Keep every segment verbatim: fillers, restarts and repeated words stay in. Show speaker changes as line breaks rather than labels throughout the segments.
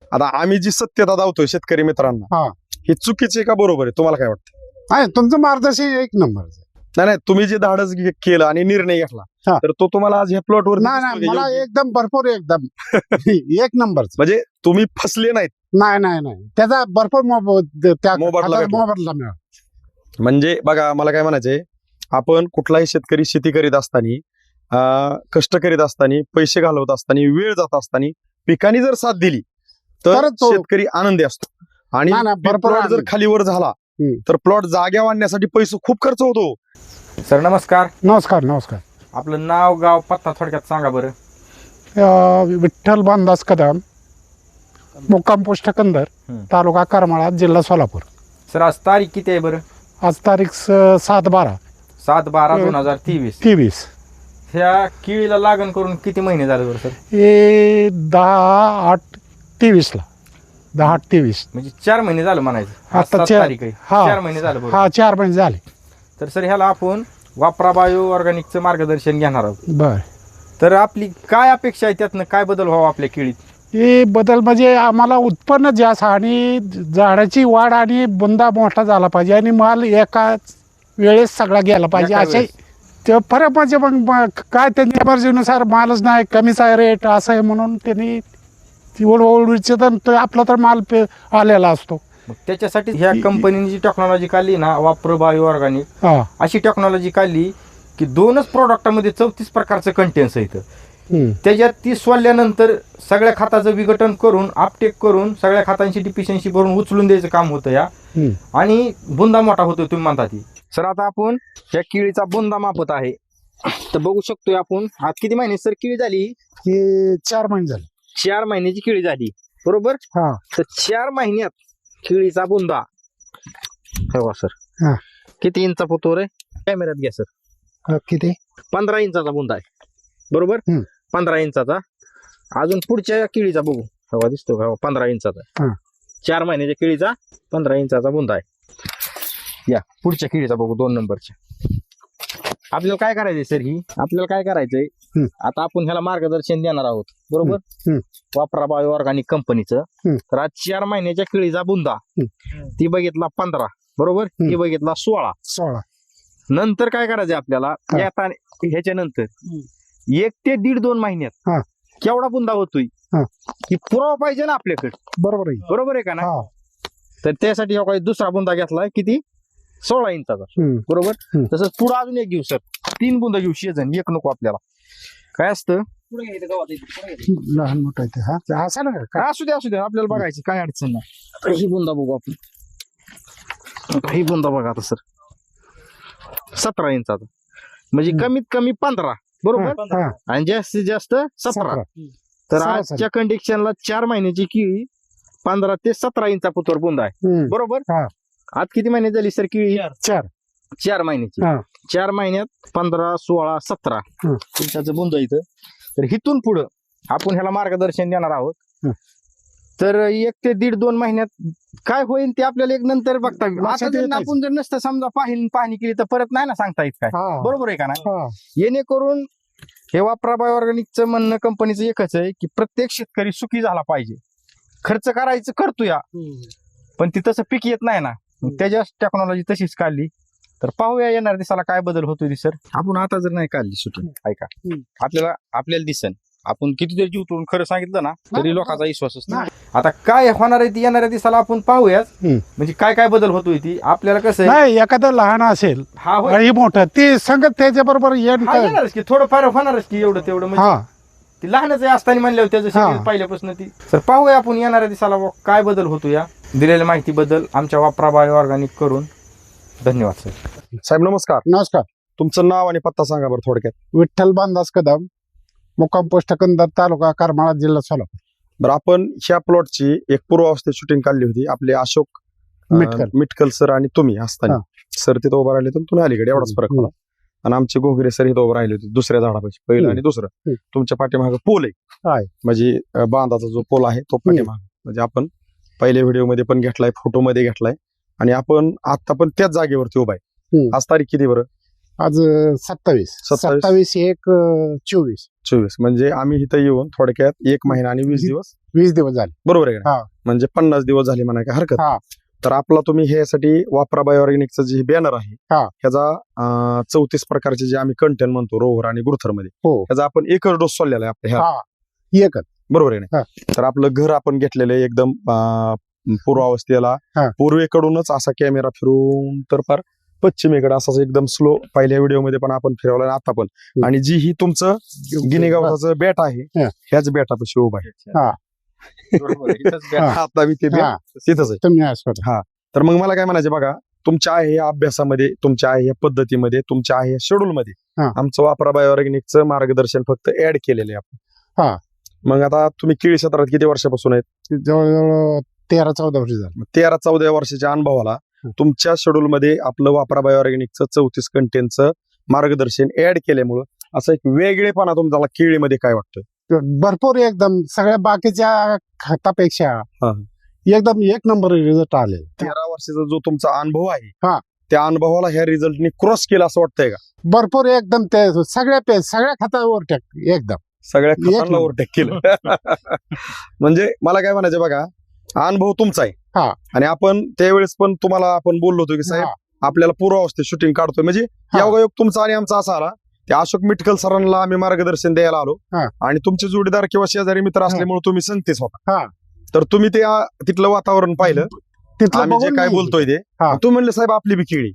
आता आम्ही जी सत्यता दावतोय शेतकरी मित्रांना
हा.
हे चुकीचे का बरोबर आहे तुम्हाला काय वाटतं?
आहे तुमचं मार्गदर्शन एक नंबर.
नाही नाही तुम्ही जे धाडस घे- केलं आणि निर्णय घेतला
हा.
तर तो तुम्हाला आज ह्या प्लॉटवर
नाही नाही मला एकदम भरपूर एकदम एक नंबर.
म्हणजे तुम्ही फसले नाहीत.
नाही नाही नाही त्याचा भरपूर मोब- त्या
मोबदला
खताचा
भेटला.
मोबदला मिळाला.
म्हणजे बघा मला काय म्हणायचंय, आपण कुठलाही शेतकरी शेती करीत असताना अं, कष्ट करीत असताना पैसे घालवत असताना वेळ जात असताना पिकांनी जर साथ दिली तर
तरच तो-
शेतकरी आनंदी असतो आणि
नाही, नाही, भरपूर
प्लॉट जर
आनंदी.
खालीवर झाला
हम्म.
तर प्लॉट जाग्या आणण्यासाठी पैसे खूप खर्च होतो.
सर नमस्कार.
नमस्कार नमस्कार.
आपलं नाव गाव पत्ता थोडक्यात सांगा बरं.
अं, विठ्ठल बांधास कदम, मुक्काम पोस्ट कंदर,
हम्म.
तालुका करमाळा, जिल्हा सोलापूर.
सर आज तारीख किती आहे बरं?
आज तारीख स- सात बारा
सात बारा
हम्म.
दोन हजार तेवीस.
तेवीस.
ह्या केळीला लागण करून किती महिने झाले बरं सर?
हे दहा आठ तेवीसला दहा आठ तेवीस.
म्हणजे चार महिने झालं म्हणायचं. आज
आता
सात
चार-
तारीख आहे.
हा.
चार महिने झालं बरं.
हा चार महिने झाले.
तर सर ह्याला आपण वापरा बायो ऑर्गॅनिकचं मार्गदर्शन घेणार आहोत.
बर.
तर आपली काय अपेक्षा आहे, त्यातनं काय बदल व्हावा आपल्या केळीत?
हे बदल म्हणजे आम्हाला उत्पन्न जास्त आणि झाडाची वाढ आणि बुंदा मोठा झाला पाहिजे आणि माल एकाच वेळेस सगळा गेला पाहिजे
एका
असे.
वेळेस.
ते फरक म्हणजे मग मग काय त्यांच्या एमर्जन्सीनुसार मालच नाही, कमीच आहे रेट असं आहे म्हणून त्यांनी ओळखीचे तर तो आपला तर माल पे आलेला असतो.
मग त्याच्यासाठी ह्या कंपनीने जी टेक्नॉलॉजी काढली ना, वापर बायो ऑर्गॅनिक,
हा.
अशी टेक्नॉलॉजी काढली की दोनच प्रोडक्टामध्ये चौतीस प्रकारचं कंटेन्स आहे इथं.
हम्म.
त्याच्यात ती सोडल्यानंतर सगळ्या खताचं विघटन करून आपटेक करून सगळ्या खतांची डिफिशियन्सी भरून उचलून द्यायचं काम होतं या.
हम्म.
आणि बुंदा मोठा होतो तुम्ही म्हणता ती. सर आता आपण या केळीचा बुंदा मापत आहे. तर बघू शकतोय आपण आज किती महिने सर केळी झाली?
हे चार महिने झाले.
चार महिन्याची केळी झाली बरोबर.
हा.
तर चार महिन्यात केळीचा बुंदा हे बघा सर.
हा.
किती इंचा होतो रे? कॅमेऱ्यात घ्या सर.
अ, किती?
पंधरा इंचाचा बुंदा आहे बरोबर.
हम्म.
पंधरा इंचाचा. अजून पुढच्या केळीचा बघू. हवा दिसतो का? पंधरा इंचाचा.
हा.
चार महिन्याच्या केळीचा पंधरा इंचाचा बुंदा आहे. या पुढच्या केळीचा बघू, दोन नंबरच्या. आपल्याला काय करायचंय सर? ही आपल्याला काय करायचंय,
हम्म.
आता आपण ह्याला मार्गदर्शन देणार आहोत बरोबर.
हम्म.
वापरा बायो ऑर्गॅनिक कंपनीचं.
हम्म.
तर आज चार महिन्याच्या केळीचा बुंदा ती बघितला पंधरा बरोबर. ती बघितला सोळा.
सोळा.
नंतर काय करायचंय आपल्याला,
हा.
येता ह्याच्या नंतर एक ते दीड दोन महिन्यात
हा.
केवढा बुंदा होतोय
हा.
ही पुरावा पाहिजे ना आपल्याकडे.
बरोबर आहे.
बरोबर आहे का ना?
हा.
तर त्यासाठी हा काही दुसरा बुंदा घेतलाय किती? सोळा इंचाचा
हम्म.
बरोबर.
हम्म.
तसंच पुढे अजून एक घेऊ सर. तीन बुंदा घेऊ, शेजन एक नको आपल्याला. काय असतं
लहान मोठं आहे ते. हा ते असं ना काय?
काय असू दे असू दे आपल्याला बघायची काय अडचण नाही. आता ही बुंदा बघू आपण. आता ही बुंदा बघा आता सर. सतरा इंचाचा म्हणजे
हम्म.
कमीत कमी पंधरा बरोबर.
हा.
आणि जास्तीत जास्त सतरा.
सतरा.
तर
सरासरी.
आजच्या कंडिशनला चार महिन्याची केळी पंधरा ते सतरा इंचा पुतोर बुंदा आहे
हम्म.
बरोबर.
हा.
आज किती महिने झाली सर केळी?
चार.
चार महिन्याची.
हा.
चार महिन्यात पंधरा सोळा सतरा
हम्म.
इंचाचं बुंद इथं. तर इथून पुढं आपण ह्याला मार्गदर्शन देणार आहोत.
हम्म.
तर एक ते दीड दोन महिन्यात काय होईल ते आपल्याला एक नंतर बघता येईल. आता
लक्षात
जर
येत
आपण जर नसतं समजा पाहिली पाहणी केली तर परत नाही ना सांगता येत काय.
हा.
बरोबर आहे का नाही?
हा.
येणेकरून हे वापरा बायो ऑर्गॅनिकचं म्हणणं कंपनीचं एकच आहे की प्रत्येक शेतकरी सुखी झाला पाहिजे. खर्च करायचं करतो या, पण ती तसं पीक येत नाही ना. मग त्याच्या टेक्नॉलॉजी तशीच काढली. तर पाहूया येणार दिसाला काय बदल होतोय सर. आपण आता जर नाही काढली सुटून ऐका
हम्म.
आपल्याला आपल्याला दिसन आपण कितीतरी जीव तोडून खरं सांगितलं ना तरी
नाही,
लोकांचा विश्वासच नाही. आता काय होणार आहे ती येणाऱ्या दिसाला आपण पाहूयाच.
हम्म.
म्हणजे काय काय बदल होतोय ती आपल्याला कसं आहे.
नाही एखादं लहान असेल
हा होय.
आणि मोठं ते संगत त्याच्या बरोबर येण
हा, येणारच की थोडं फार होणारच की एवढं तेवढं म्हणजे
हा.
ती लहानच आहे असताना म्हणल्यावर त्याचं
हा.
शरीर पहिल्यापासून ती. तर पाहूया आपण येणाऱ्या दिसाला व काय बदल होतो या दिलेल्या माहितीबद्दल आमच्या वापरा बायो ऑर्गॅनिक करून धन्यवाद सर.
साहेब नमस्कार.
नमस्कार.
तुमचं नाव आणि पत्ता सांगा बरं थोडक्यात.
विठ्ठल बांधास कदम, मुक्काम पोस्ट कंदर, तालुका करमाळा, जिल्हा सोलापूर.
बरं आपण ह्या प्लॉटची एक पूर्वावस्थेत शूटिंग काढली होती. आपले अशोक अं,
मिटकल.
मिटकल सर आणि तुम्ही असताना
हा.
सर तिथं उभं राहिले तर तुम्ही अलीकडे एवढाच फरक
हम्म.
होता. आणि आमचे घोगरे सर इथं उभं राहिले होते दुसऱ्या झाडापाशी पहिलं
हम्म.
आणि दुसरं.
हम्म.
तुमच्या पाठीमागे पोल आहे
आहे.
म्हणजे अं, बांधाचा जो पोल आहे तो पाठीमागे म्हणजे आपण पहिल्या व्हिडिओ मध्ये पण घेतलाय, फोटो मध्ये घेतलाय आणि आपण आता पण त्याच जागेवरती उभा आहे.
हम्म.
आज तारीख किती बरं?
आज अं, सत्तावीस
सत्तावीस.
सत्तावीस एक अं, चोवीस
चोवीस म्हणजे आम्ही इथं येऊन थोडक्यात एक महिना आणि वीस दिवस
वीस दिवस झाले.
बरोबर आहे का
हा.
नाही? म्हणजे पन्नास दिवस झाले म्हणा काय हरकत
हा.
नाही. तर आपला तुम्ही ह्यासाठी वापरा बायोऑर्गॅनिकचं जे बॅनर आहे
हा.
ह्याचा चौतीस प्रकारचे जे आम्ही कंटेंट म्हणतो रोहर आणि गुरथर मध्ये
हो
त्याचा आपण एकच डोस सोडलेला आहे आपल्या ह्या
हा एकच
बरोबर आहे
हा.
ना तर आपलं घर आपण घेतलेलं आहे एकदम अं, पूर्वावस्थेला
हा.
पूर्वेकडूनच असा कॅमेरा फिरून तर फार पश्चिमेकडे असाच एकदम स्लो पहिल्या व्हिडिओ मध्ये पण आपण फिरवला आणि आता पण
हम्म.
आणि जी ही तुमचं गिनी गवताचं बॅट आहे
हा.
ह्याच बॅटापाशी उभा आहे
हा.
बरोबर आहे. इथंच बॅ-
हा.
आता बी ते
हा.
bat तिथंच आहे
तुम्ही असं
तर मग मला काय म्हणायचं बघा तुमच्या आहे या अभ्यासामध्ये तुमच्या आहे या पद्धतीमध्ये तुमच्या आहे या शेड्यूल मध्ये
हा.
आमचं वापरा बायोऑर्गॅनिकचं मार्गदर्शन फक्त ऍड केलेलं आहे आपण
हा.
मग आता तुम्ही केळी क्षेत्रात किती वर्षापासून आहेत
जवळजवळ तेरा चौदा वर्ष झालं.
मग तेरा चौदा वर्षाच्या अनुभवाला
हं.
तुमच्या शेड्यूल मध्ये आपलं वापरा बायोऑर्गॅनिकचं चौतीस कंटेनचं मार्गदर्शन ऍड केल्यामुळं असं एक वेगळेपणा तुमचा केळीमध्ये काय वाटतोय
भरपूर एकदम सगळ्या बाकीच्या खतापेक्षा
हा.
एकदम एक नंबर रिझल्ट आले.
तेरा वर्षाचा जो तुमचा अनुभव आहे
हा.
त्या अनुभवाला ह्या रिझल्टनी क्रॉस केला असं वाटतंय का
भरपूर एकदम ते सगळ्या पे सगळ्या खतावर टाक एकदम
सगळ्या
एक
खतांना
नंबर.
ओव्हरटेक केलं म्हणजे मला काय म्हणायचं बघा अनुभव तुमचा आहे
हा.
आणि आपण त्यावेळेस पण तुम्हाला आपण बोललो होतो की साहेब
हा.
आपल्याला पूर्वावस्थेत शूटिंग काढतोय म्हणजे
हा.
योगायोग तुमचा आणि आमचा असा आला ते अशोक मिटकल सरांना आम्ही मार्गदर्शन द्यायला आलो
हा.
आणि तुमचे जोडीदार किंवा शेजारी मित्र असल्यामुळे तुम्ही संगतीच होता
हा.
तर तुम्ही ते आ, तिथलं वातावरण पाहिलं
तिथलं
आम्ही जे
बघून
काय
मी-
बोलतोय ते
हा.
तुम्ही म्हणले साहेब आपली बी केळी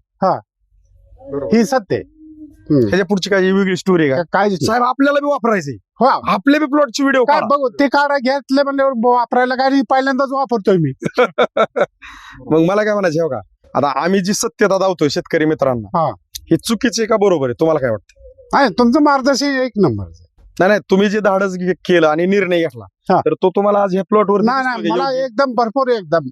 ही सत्य आहे. हम्म.
ह्याच्या पुढची काय वेगळी स्टोरी का
का- काळजीच नाही.
साहेब आपल्याला बी वापरायचे
हो
आपल्या बी प्लॉटची व्हिडिओ
काय बघू ते काढा घेतले म्हणल्यावर ब- वापरायला काय नाही, पहिल्यांदाच वापरतोय मी.
मग मला काय म्हणायचं हो का आता आम्ही जी सत्यता दावतोय शेतकरी मित्रांना
हा.
हे चुकीचे का बरोबर आहे तुम्हाला काय वाटतं
आहे तुमचं मार्गदर्शन एक नंबर.
नाही नाही तुम्ही जे धाडस घे- केलं आणि निर्णय घेतला
हा.
तर तो तुम्हाला आज ह्या प्लॉटवर
नाही नाही मला एकदम भरपूर एकदम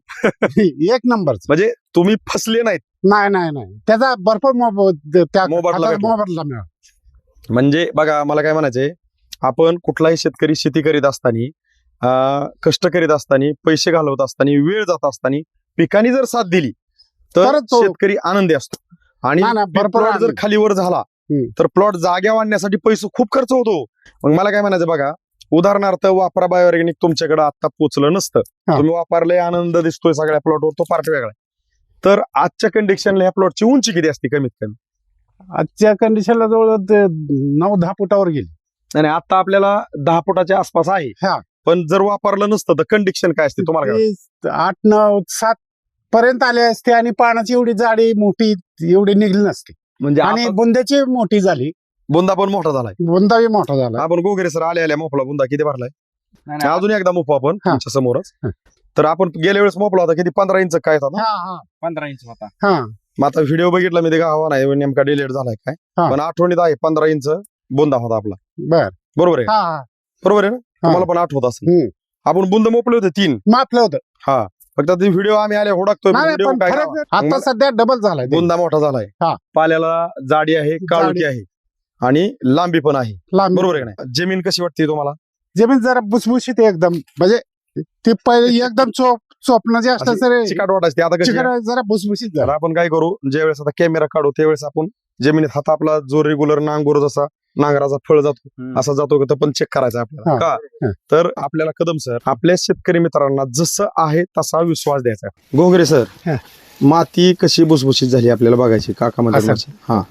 एक नंबर.
म्हणजे तुम्ही फसले नाहीत
नाही नाही नाही त्याचा भरपूर मोब- त्या
मोबदला
खताचा
भेटला.
मोबदला मिळाला.
म्हणजे बघा मला काय म्हणायचंय आपण कुठलाही शेतकरी शेती करीत असताना अं, कष्ट करीत असताना पैसे घालवत असताना वेळ जात असताना पिकांनी जर साथ दिली तर
तरच तो-
शेतकरी आनंदी असतो आणि
नाही, नाही, भरपूर
प्लॉट जर
आनंदी.
खालीवर झाला
हम्म.
तर प्लॉट जाग्या वाढण्यासाठी पैसे खूप खर्च होतो मग मला काय म्हणायचं बघा उदाहरणार्थ वापरा बायोऑर्गॅनिक तुमच्याकडे आता पोचलं नसतं
हा.
तुम्ही वापरले आनंद दिसतोय सगळ्या प्लॉटवर तो पार्ट वेगळा आहे. तर आजच्या कंडिशनला ह्या प्लॉटची उंची किती असते कमीत कमी
आजच्या कंडिशनला जवळ ते नऊ दहा फुटावर गेली.
आणि आता आपल्याला दहा फुटाच्या आसपास आहे
हा.
पण जर वापरलं नसतं तर कंडिशन काय असते तुम्हाला काय
ते आठ नऊ सात पर्यंत आले असते आणि पानाची एवढी जाडी मोठी एवढी निघली नसती
म्हणजे
आणि
आता
बुंद्याची मोठी झाली.
बुंदा पण मोठा झालाय
बुंदाही मोठा झाला.
आपण गोगरे सर आले आल्या मोपला बुंदा किती भरलाय
नाही, नाही,
अजून एकदा मोपू आपण
हा.
तुमच्या समोरच
हा.
तर आपण गेल्या वेळेस मोपला होता किती पंधरा इंच काय होता
हा हा
पंधरा इंच होता.
हा
मग आता व्हिडिओ बघितला मी ते गावा नाही नेमका डिलेट झालाय काय
हा.
पण आठवणीत आहे पंधरा इंच बुंदा होता आपला
बर
बरोबर आहे
हा हा
बरोबर आहे ना तुम्हाला पण आठवत असेल
हम्म.
आपण बुंद मोपले होते तीन
मापलं होतं.
हा फक्त ते व्हिडिओ आम्ही आले हुडकतोय
नाही,
व्हिडिओ
पण
काय
फरक
गावा.
आता
मग-
सध्या डबल झालाय ते.
बुंदा मोठा झालाय
हा.
पाल्याला जाडी आहे काळुकी आहे आणि लांबी पण आहे
लांब
बरोबर आहे का नाही जमीन कशी वाटते तुम्हाला
जमीन जरा भुसभुशीत आहे एकदम म्हणजे ते पहिले एकदम चोप चोपणं जे असतं
अशी
सर
चिकाट वाटायची आता कशी आहे?
जरा भुसभुशीत
तर
झाला.
आपण काय करू ज्यावेळेस आता कॅमेरा काढू त्यावेळेस आपण जमिनीत हात आपला जो रेग्युलर नांगोर जसा नांगराचा फळ जातो
हम्म.
असा जातो का तो पण चेक करायचा आपल्याला
हा.
का
हा.
तर आपल्याला कदम सर आपल्या शेतकरी मित्रांना जसं आहे तसा विश्वास द्यायचा गोगरे सर
हा.
माती कशी भुसभुशीत झाली आपल्याला बघायची काका मध्ये
असं.
हा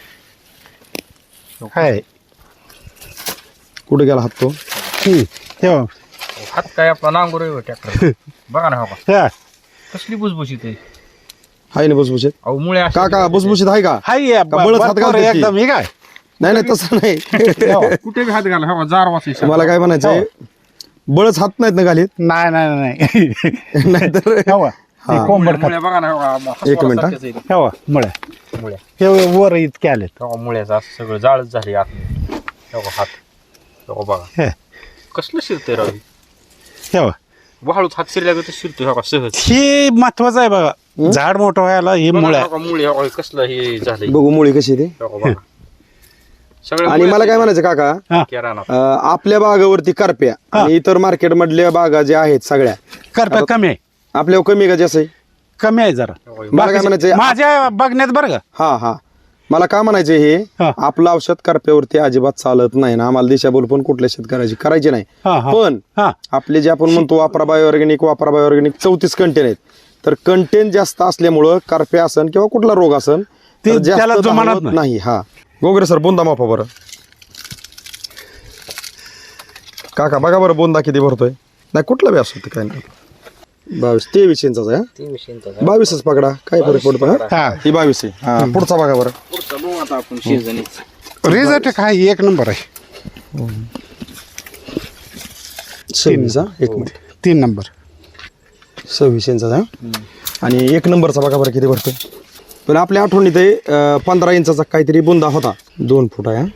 आहे.
कुठे गेला हात तो
हम्म. ठेवा.
हात काय आपला नांगोर ट्रॅक्टर बघा ना हो का
हा.
कसली बुजबुजीत आहे.
आहे ना भुसभुशीत
अहो मुळे अशी-
काका भुसभुशीत आहे का
हाय या,
का बळच हात
भरपूर
घालतात ती?
एकदम हे काय
नाही नाही तसं नाही
ठेवा.
कुठे बी हात घाला हो जार वाचायचं.
मला काय म्हणायचंय बळच हात नाहीत ना घालीत
नाही नाही नाही
नाहीतर
ठेवा.
हा.
ते कोंबड खात.
मुळे बघा ना हो का,
एक मिनिट, हा.
हसवासारखेच आहे ते.
ठेवा मुळे
मुळे
हे वर इतके आलेत.
हो मुळ्याचं असं सगळं जाळच झाली आत हो का, हात हो बघा
हे.
कसलं शिरतंय राव हे?
ठेवा.
वाळूच हात शिरल्या तर शिरतोय हो का सहज.
हे महत्वाचं आहे बघा
हं?
झाड मोठं व्हायला हे
बघा
मुळे
ना हो का, मुळे हो का, कसलं हे झालंय
बघू मुळी कशी आहे ते
हो का, बघा. सगळं
आणि मला काय म्हणायचं काका
किराणा
अं, आपल्या बागावरती करप्या
हा.
आणि इतर मार्केट मधल्या बागा ज्या आहेत सगळ्या
करपा कमी आहे
आपल्यावर कमी का जास्त आहे
कमी आहे जरा
हो का,
मला काय म्हणायचंय
माझ्या बघण्यात बरं का
हा हा मला काय म्हणायचे हे
हा.
आपलं औषध करप्यावरती अजिबात चालत नाही ना, आम्हाला दिशाभूल पण कुठल्या शेतकऱ्याची करायची नाही.
हा, हा.
पण
हा.
आपले जे आपण म्हणतो वापरा बायोऑर्गॅनिक वापरा बायोऑर्गॅनिक चौतीस कंटेन आहेत, तर कंटेन जास्त असल्यामुळं करप्या असन किंवा कुठला रोग असन
ते
तर जास्त
त्याला जुमानत
धावत
नाही.
नाही. हा गोगरे सर बोंदा मापा बरं. काका बघा बरं बोंदा किती भरतोय. नाही कुठला बी असतो काय नाही. बावीस तेवीस इंचाचा आहे हा? बावीसच पकडा काय फरक पडतो. हा
हा.
ही बावीस आहे. हा पुढचा बघा बरं.
रिझल्ट काय एक नंबर आहे.
सव्वीस हा एक मिनिट
तीन नंबर
सव्वीस इंचाचा हा? आणि एक नंबरचा बघा बरं किती भरतोय. पण आपल्या आठवणीत आहे अं, पंधरा इंचाचा काहीतरी बुंदा होता. दोन फूट आहे हा?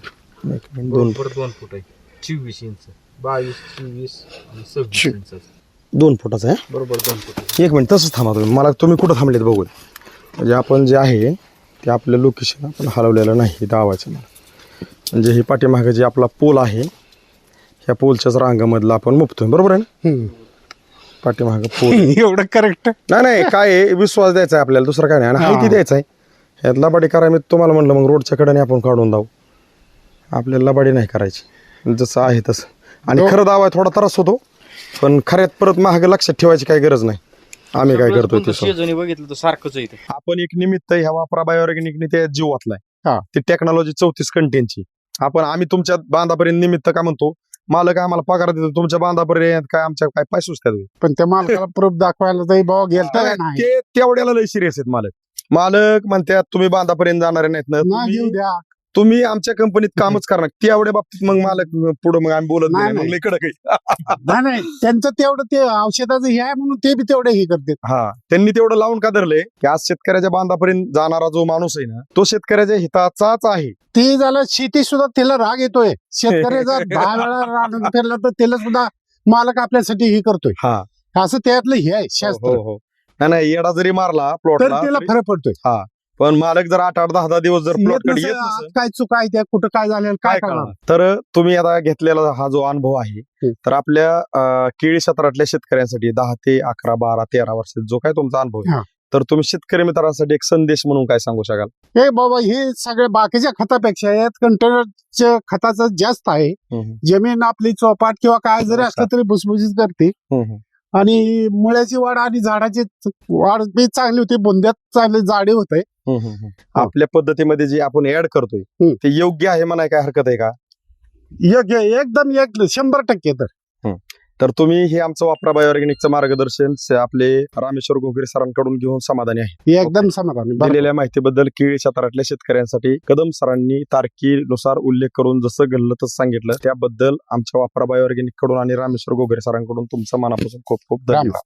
एक मिनिट, दोन
दोन फूट आहे. चोवीस इंच बावीस चोवीस आणि सव्वीस इंच
दोन फुटाचा आहे.
बरोबर दोन फूट.
एक मिनिट तसंच थांबा तुम्ही. मला तुम्ही कुठं थांबलेत बघू. म्हणजे आपण जे आहे ते आपलं लोकेशन आपण हलवलेलं नाही दावाचं. म्हणजे हे पाठीमागं जे आपला पोल आहे ह्या पोलच्याच रांगामधला आपण मुपतोय. बरोबर आहे ना.
हम्म.
पाठीमागं पोल
एवढं करेक्ट.
नाही नाही काय आहे, विश्वास द्यायचा आहे आपल्याला, दुसरं काय नाही. आणि हायती द्यायचा आहे. ह्यात लबाडी करा मी तुम्हाला म्हणलं मग रोडच्या कडेने आपण काढून जाऊ. आपल्याला लबाडी नाही करायची, जसं आहे तसं. आणि
हो.
खरं दावा थोडा त्रास होतो, पण खऱ्यात परत महाग लक्षात ठेवायची काही गरज नाही. आम्ही काय करतोय ते सोड.
शेजारी बघितलं तर सारखंच आहे इथे.
आपण एक निमित्त ह्या वापरा बायोऑर्गॅनिकने ते जीव वाचलाय.
हा.
ती टेक्नॉलॉजी चौतीस कंटेनची आपण आम्ही तुमच्या बांधापर्यंत निमित्त का म्हणतो. मालक आम्हाला पगार देतो, तुमच्या बांधापर्यंत काय आमच्या काय पैसे सुचतात होय?
पण त्या मालकाला प्रूफ दाखवायला तरी बाबा गेलता का नाही.
ते तेवढ्याला लय सिरियस आहेत मालक. मालक म्हणतात तुम्ही बांधापर्यंत जाणारे नाहीत ना,
ना घेऊ
तुम्ही-
द्या.
तुम्ही आमच्या कंपनीत कामच करणार. तेवढ्या बाबतीत मग मालक पुढे मग आम्ही बोलत
नाही,
नाही. मग
नाही.
लय कडक आहे.
नाही नाही त्यांचं तेवढं ते औषधाचं हे आहे म्हणून ते बी तेवढं हे करते.
हा त्यांनी तेवढं लावून का धरलंय की आज शेतकऱ्याच्या बांधापर्यंत जाणारा जो माणूस आहे ना, तो शेतकऱ्याच्या हिताचाच आहे.
ते झालं शेती सुद्धा त्याला राग येतोय. शेतकऱ्याचा दहा वेळा राग फिरला तर त्याला सुद्धा मालक आपल्यासाठी हे करतोय.
हा
असं त्यातलं हे आहे
हो
शास्त्र.
हो नाही नाही येडा जरी मारला
तर
प्लॉटला
त्याला फरक पडतोय.
पण मालक जर आठ आठ दहा दहा दिवस जर
येत
प्लॉट कडे
नसेल,
येत
आज
नसेल
काय चुका आहे त्या कुठं काय झालेलं काय
काय
करणार.
करणार. तर तुम्ही आता घेतलेला हा जो अनुभव आहे
हम्म.
तर आपल्या अं, केळी क्षेत्रातल्या शेतकऱ्यांसाठी दहा ते अकरा बारा तेरा वर्षात जो काय तुमचा अनुभव आहे
हा.
तर तुम्ही शेतकरी मित्रांसाठी एक संदेश म्हणून काय सांगू शकाल.
हे बाबा हे सगळ्या बाकीच्या खतापेक्षा यात कंटेनरच्या खताचं जास्त आहे.
हम्म,
जमीन आपली चौपाट किंवा काय जरी
हो
असलं तरी भुसभुशीत करते.
हम्म, हम्म.
आणि मुळ्याची वाढ आणि झाडाची वाढ बी चांगली होती. बुंद्यात चांगली जाडी होते.
हम्म, हम्म, हम्म. आपल्या पद्धतीमध्ये जे आपण ऍड करतोय
हम्म.
ते योग्य आहे म्हणाय काय हरकत आहे का.
योग्य एकदम एक शंभर टक्के. तर
तर तुम्ही हे आमचं वापरा बायोऑर्गॅनिकचं मार्गदर्शन स- आपले रामेश्वर घोगरे सरांकडून घेऊन समाधानी आहे.
हे एकदम समाधानी. बरं.
दिलेल्या माहितीबद्दल केळी क्षेत्रातल्या शेतकऱ्यांसाठी कदम सरांनी तारखेनुसार उल्लेख करून जसं घडलं तसं सांगितलं त्याबद्दल आमच्या वापरा बायोऑर्गॅनिक कडून आणि रामेश्वर घोगरे सरांकडून तुमचं मनापासून खूप खूप
राम
धन्यवाद.